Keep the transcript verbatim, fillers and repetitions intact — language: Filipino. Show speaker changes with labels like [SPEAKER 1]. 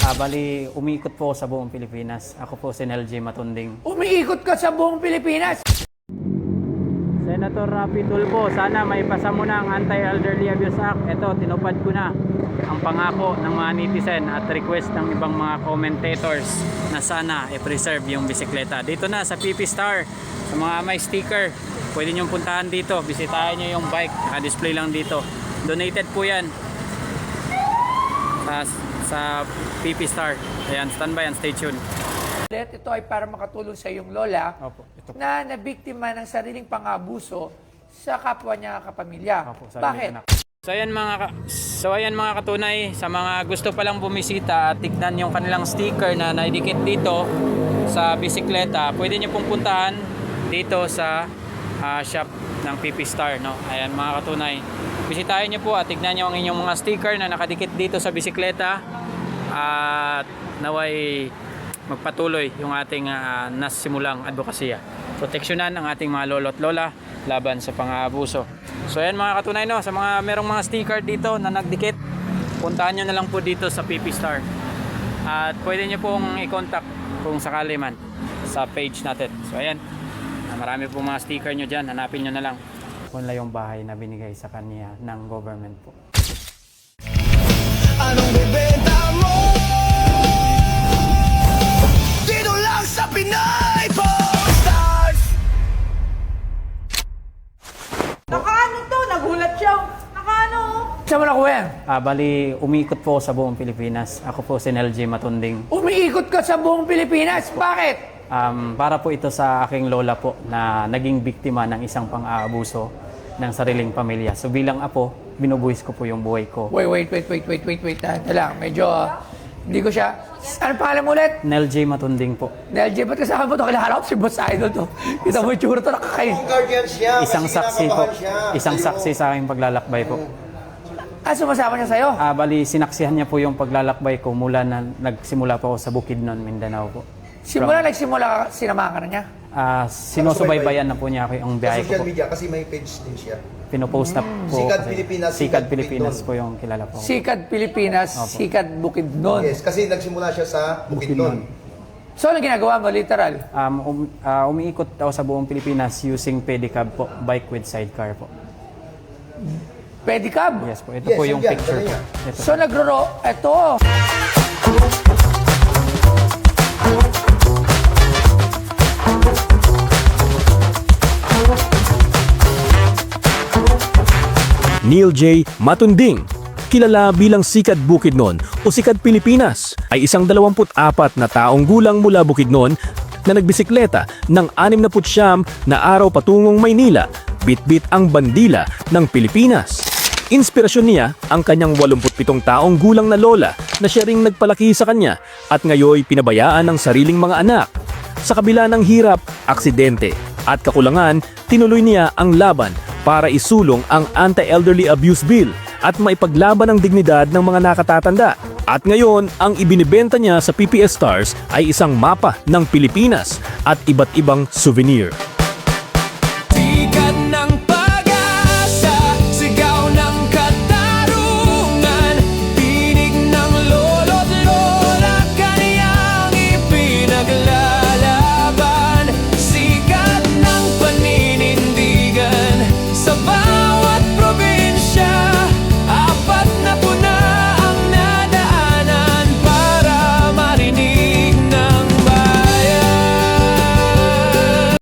[SPEAKER 1] Ah, bali, umiikot po ako sa buong Pilipinas. Ako po si Nel J. Matunding.
[SPEAKER 2] Umiikot ka sa buong Pilipinas.
[SPEAKER 1] Senator Rapi Tulfo, sana may pasa mo na ang Anti-Elderly Abuse Act. Ito, tinupad ko na ang pangako ng mga netizen at request ng ibang mga commentators na sana i-preserve yung bisikleta. Dito na sa P P Star, sa mga may sticker, pwede nyo puntahan dito. Bisitahin nyo yung bike, naka-display lang dito. Donated po yan sa, sa P P Star. Ayan, standby and stay tuned.
[SPEAKER 2] Ito ay para makatulong sa iyong lola
[SPEAKER 1] Opo, ito po.
[SPEAKER 2] na nabiktima ng sariling pang-abuso sa kapwa niya kapamilya.
[SPEAKER 1] Opo, sa
[SPEAKER 2] Bakit?
[SPEAKER 1] aming anak. So ayan mga ka- so ayan mga katunay, sa mga gusto palang bumisita at tignan yung kanilang sticker na naidikit dito sa bisikleta, pwede niyo pong puntahan dito sa ah, shop ng P P Star, no? Ayan mga katunay. Bisitahin niyo po at tignan niyo ang inyong mga sticker na nakadikit dito sa bisikleta at naway magpatuloy yung ating uh, nasimulang advokasya. Proteksyonan ang ating mga lolo at lola laban sa pang-aabuso. So ayan mga katunay, no, sa mga merong mga sticker dito na nagdikit, puntahan nyo na lang po dito sa P P Star. At pwede nyo pong i-contact kung sakali man sa page natin. So ayan, marami pong mga sticker nyo dyan, hanapin nyo na lang. Wala yung bahay na binigay sa kanya ng government po.
[SPEAKER 3] Anong bibenta mo? Dito lang sa Pinay Posters!
[SPEAKER 4] Nakaano to? Nagulat siya. Nakaano?
[SPEAKER 2] Saan mo nakuha yan?
[SPEAKER 1] Ah, bali, umiikot po ako sa buong Pilipinas. Ako po si Nel J. Matunding.
[SPEAKER 2] Umiikot ka sa buong Pilipinas. Bakit?
[SPEAKER 1] Um, para po ito sa aking lola po na naging biktima ng isang pang-aabuso ng sariling pamilya. So bilang apo, binubuhis ko po yung buhay ko.
[SPEAKER 2] Wait, wait, wait, wait, wait, wait, wait. Ito lang, medyo ah, hindi ko siya... Ano pangalan mo ulit?
[SPEAKER 1] Nel J. Matunding po.
[SPEAKER 2] Nel J, ba't kasama mo ito? Kilala ko si Boss Idol to. Kita mo yung tsura to, nakakain.
[SPEAKER 3] Kung guardian siya,
[SPEAKER 1] Isang
[SPEAKER 3] kasi
[SPEAKER 1] saksi po.
[SPEAKER 3] kinakabahan siya.
[SPEAKER 1] Isang
[SPEAKER 3] Sabi mo,
[SPEAKER 1] saksi sa aking paglalakbay po.
[SPEAKER 2] Ah, sumasama niya sa'yo?
[SPEAKER 1] Ah, bali, sinaksihan niya po yung paglalakbay ko mula na nagsimula po ako sa Bukidnon, Mindanao po.
[SPEAKER 2] Simula nagsimula ka, sinamahan ka na niya?
[SPEAKER 1] Ah, sinusubaybayan na po niya ako yung
[SPEAKER 3] Sa
[SPEAKER 1] biyahe ko
[SPEAKER 3] social
[SPEAKER 1] po.
[SPEAKER 3] media, kasi may page din siya.
[SPEAKER 1] Pinopost na po.
[SPEAKER 3] Sikad
[SPEAKER 1] kasi-
[SPEAKER 3] Pilipinas,
[SPEAKER 1] Sikad
[SPEAKER 3] Sikad
[SPEAKER 1] Pilipinas
[SPEAKER 3] Bukidnon.
[SPEAKER 1] po yung kilala po.
[SPEAKER 2] Sikad Pilipinas,
[SPEAKER 1] Opo.
[SPEAKER 2] Sikad Bukidnon.
[SPEAKER 3] Yes, kasi nagsimula siya sa Bukidnon.
[SPEAKER 2] So, ano ginagawa mo, literal?
[SPEAKER 1] Um, um, ah, umiikot ako sa buong Pilipinas using pedicab po, bike with sidecar po.
[SPEAKER 2] Pedicab?
[SPEAKER 1] Yes po, ito
[SPEAKER 3] Yes,
[SPEAKER 1] po yung
[SPEAKER 3] yan,
[SPEAKER 1] picture
[SPEAKER 3] dala
[SPEAKER 1] po.
[SPEAKER 3] niya.
[SPEAKER 1] Ito.
[SPEAKER 2] So, nagro eto.
[SPEAKER 5] Neil J. Matunding, kilala bilang Sikad Bukidnon o Sikad Pilipinas, ay isang dalawamput apat na taong gulang mula Bukidnon na nagbisikleta ng anim na putsyam na araw patungong Maynila, bitbit ang bandila ng Pilipinas. Inspirasyon niya ang kanyang walumput pitong taong gulang na lola na siya ring nagpalaki sa kanya at ngayoy pinabayaan ng sariling mga anak. Sa kabila ng hirap, aksidente at kakulangan, tinuloy niya ang laban para isulong ang Anti-Elderly Abuse Bill at maipaglaban ang dignidad ng mga nakatatanda. At ngayon, ang ibinibenta niya sa P P S Stars ay isang mapa ng Pilipinas at iba't ibang souvenir.